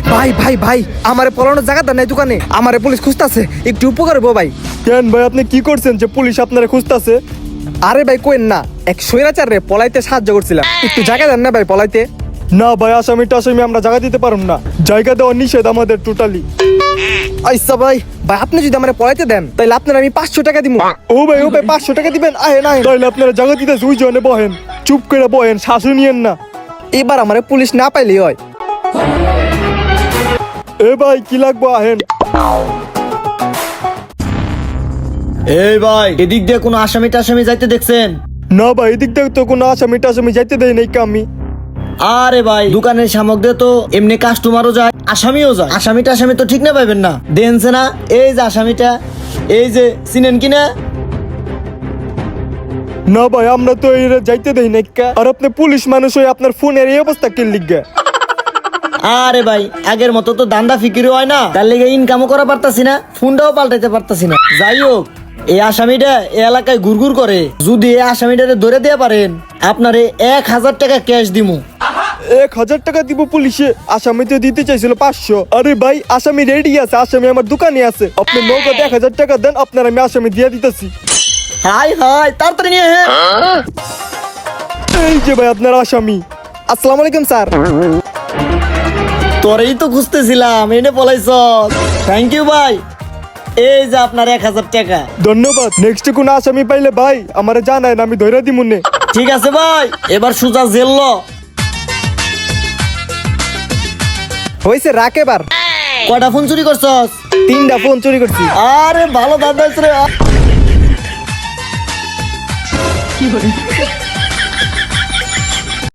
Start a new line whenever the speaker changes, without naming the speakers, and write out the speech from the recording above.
ভাই ভাই ভাই আমারে পলানোর জায়গাটা নাই দোকানে, আমারে পুলিশ খুঁজতাছে, একটু উপকার হবো ভাই।
কেন ভাই আপনি কি করছেন যে পুলিশ আপনারা খুঁজতাছে?
আরে ভাই কোয়েন না, এক স্বৈরাচার রে পলাইতে সাহায্য করছিলাম, একটু জায়গা দেন না ভাই পলাইতে।
না ভাই, আসামি টাসামি আমরা জায়গা দিতে পারব না, জায়গা দেওয়া নিষেধ আমাদের টোটালি।
আচ্ছা ভাই, ভাই আপনি যদি আমারে পলাইতে দেন তাহলে আপনার আমি 500 টাকা দিব।
ও ভাই 500 টাকা দিবেন? আহেন আহেন, তাহলে আপনারা জায়গা দিতে ওই জনে বহেন, চুপ করে বহেন, শাসন নিয়েন না।
এবার আমারে পুলিশ না পাইলেই হয়।
এ ভাই কি লাগবো, আহেন।
এই ভাই, এদিক দিয়ে কোনো আসামি টাসামি যাইতে দেখছেন?
না ভাই, এদিক থেকে তো কোনো আসামি টাসামি যাইতে দেয় নাই আমি।
আরে ভাই, দোকানের সামগ্রী দিয়ে তো এমনি কাস্টমারও যায়, আসামিও যায়, আসামি টাসামি তো ঠিক না পাইবেন না। দেনছে না, এই যে আসামিটা, এই যে চিনেন কিনা?
না ভাই, আমরা তো এই যাইতে দেই নাই। আর আপনি পুলিশ মানুষ হয়ে আপনার ফোনের এই অবস্থা কে লিখবে?
আরে ভাই, আগের মতো তো দান্দা ফিকিরি হয় না, তার লেগে ইনকামও করা পারতাছি না, ফোনটাও পাল্টাইতে পারতাছি না। যাই হোক, এই আসামিটা এই এলাকায় ঘুরঘুর করে, যদি এই আসামিটারে ধরে দিয়ে পারেন আপনারে 1000 টাকা ক্যাশ দিমু।
1000 টাকা দিব পুলিশে? আসামি তো দিতে চাইছিল 500। আরে ভাই, আসামি রেডি আছে, আসামি আমার দোকানে আছে, আপনি নগদ 1000 টাকা দেন, আপনার আমি আসামি দিয়ে দিতেছি।
হাই হাই, তাড়াতাড়ি নিয়ে। হ্যাঁ,
এই যে ভাই আপনার আসামি।
আসসালামু আলাইকুম স্যার।
তোরেই তো খুঁজতেছিলাম, এনে পলাইছ। থ্যাংক ইউ ভাই, এই যে আপনার 1000 টাকা।
ধন্যবাদ। নেক্সট কোন আসামি পাইলে ভাই আমারে জানায়, আমি ধরে দিব নে।
ঠিক আছে ভাই, এবার সুজা জেল ল।
হয়েছে রাখ এবার।
কয়টা ফোন চুরি করছস?
3টা ফোন চুরি করছি।
আরে ভালো দাদা রে।